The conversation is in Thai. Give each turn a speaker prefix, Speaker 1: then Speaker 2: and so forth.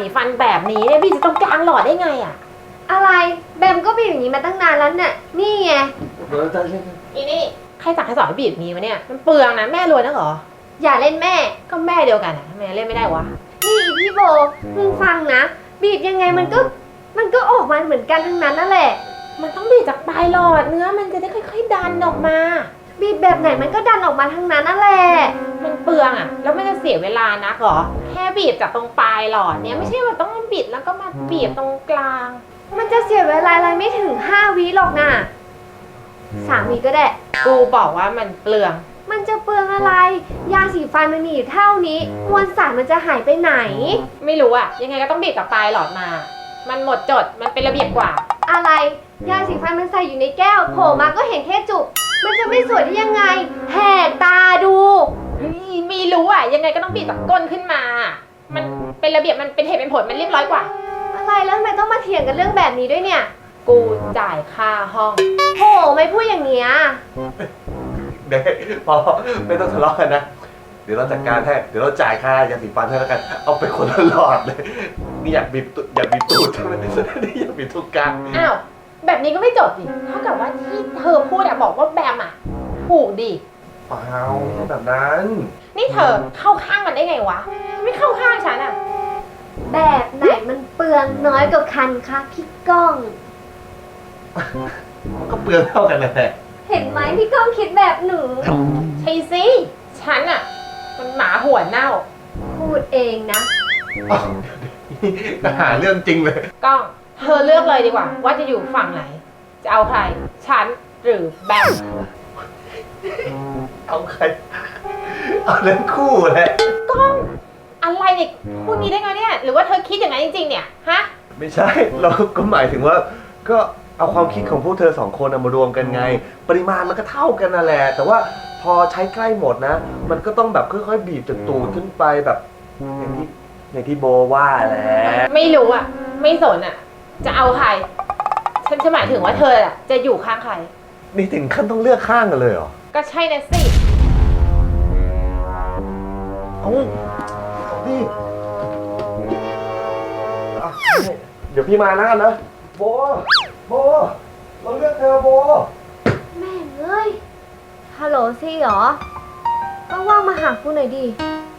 Speaker 1: สีฟันแบบนี้เนี่ยพี่จะต้องกลางหลอดได้ไงอะ
Speaker 2: อะไรแบมก็บีบอย่างนี้มาตั้งนานแล้วเนี่ยนี่ไง
Speaker 1: อีนี่ใครสั่งให้สอนให้บีบนี้มาเนี่ยมันเปลืองนะแม่รวยนักเหรอ
Speaker 2: อย่าเล่นแม่
Speaker 1: ก็แม่เดียวกันอะทำไมเล่นไม่ได้วะ
Speaker 2: นี่อีพี่โบมึงฟังนะบีบยังไงมันก็ออกมาเหมือนกันทั้งนั้นนั่นแหละ
Speaker 1: มันต้องบีบจากปลายหลอดเนื้อมันจะได้ค่อยๆดันออกมา
Speaker 2: บีบแบบไหนมันก็ดันออกมาทั้งนั้นนั่นแหละ
Speaker 1: มันเปลืองอะแล้วไม่จะเสียเวลานักเหรอแค่บีบจากตรงปลายหลอดเนี่ยไม่ใช่ว่าต้องมาบิดแล้วก็มาบีบตรงกลาง
Speaker 2: มันจะเสียเวลาอะไรไม่ถึง5 วิหรอกนะ3 วิก็ได้
Speaker 1: กูบอกว่ามันเปลือง
Speaker 2: มันจะเปลืองอะไรยาสีฟันมันมีอยู่เท่านี้มวลสารมันจะหายไปไหน
Speaker 1: ไม่รู้อะยังไงก็ต้องบีบจากปลายหลอดมามันหมดจดมันเป็นระเบียบกว่า
Speaker 2: อะไรยาสีฟันมันใส่อยู่ในแก้วโผล่มาก็เห็นแค่จุกมันจะไม่สวยได้ยังไงแหกตาดู
Speaker 1: ไม่รู้อะยังไงก็ต้องบีบจากก้นขึ้นมามันเป็นระเบียบมันเป็นเหตุเป็นผลมันเรียบร้อยกว่า
Speaker 2: อะไรแล้วทำไมต้องมาเถียงกันเรื่องแบบนี้ด้วยเนี่ย
Speaker 1: กูจ่ายค่าห้อง
Speaker 2: โหไม่พูดอย่างเนี้ย
Speaker 3: เด็กพอไม่ต้องทะเลาะกันนะเดี๋ยวเราจัดการให้เดี๋ยวเราจ่ายค่ายาสีฟันให้แล้วกันเอาไปคนละหลอดเลยนี่อยากบีบตูดใช่ไหมนี่อยากบีบทุกกลาง
Speaker 1: อ้าวแบบนี้ก็ไม่จบดิเท่ากับว่าที่เธอพูดอะบอกว่าแบมอะถูกดิ
Speaker 3: เปล่าไม่ใช่แบบนั้น
Speaker 1: นี่เธอเข้าข้างมันได้ไงวะไม่เข้าข้างฉันอะ
Speaker 2: แบบไหนมันเปลืองน้อยกว่ากันคะพี่ก้อง
Speaker 3: ก็เปลืองเท่ากันแหละ
Speaker 2: เห็นไหมพี่ก้องคิดแบบหนู
Speaker 1: ใช่สิฉันอะมันหมาหัวเน่า
Speaker 2: พูดเองนะ
Speaker 3: หาเรื่องจริงเลย
Speaker 1: ก้องเธอเลือกเลยดีกว่าว่าจะอยู่ฝั่งไหนจะเอาใครฉันหรือแบม
Speaker 3: เอาใครเอาเรื่องคู่แหละ
Speaker 1: ก้องอะไรเนี่ยพูดนี้ได้ไงเนี่ยหรือว่าเธอคิดอย่างนั้นจริงๆเนี่ยฮะ
Speaker 3: ไม่ใช่เราก็หมายถึงว่าก็เอาความคิดของพวกเธอ2 คนมารวมกันไงปริมาณมันก็เท่ากันนั่นแหละแต่ว่าพอใช้ใกล้หมดนะมันก็ต้องแบบค่อยๆบีบจากตูดขึ้นไปแบบอย่างที่โบว่าแหละ
Speaker 1: ไม่รู้อ่ะไม่สนอ่ะจะเอาใครฉันจะหมายถึงว่าเธออ่ะจะอยู่ข้างใคร
Speaker 3: นี่ถึงขั้นต้องเลือกข้างกันเลยเหรอ
Speaker 1: ก็ใช่นะสิ
Speaker 3: เอาดิเดี๋ยวพี่มานะกันนะโบเราเลือกเธอโบ
Speaker 2: แม่เอ้ยฮัลโหลซี่เหรอว่างๆมาหากูหน่อยดิ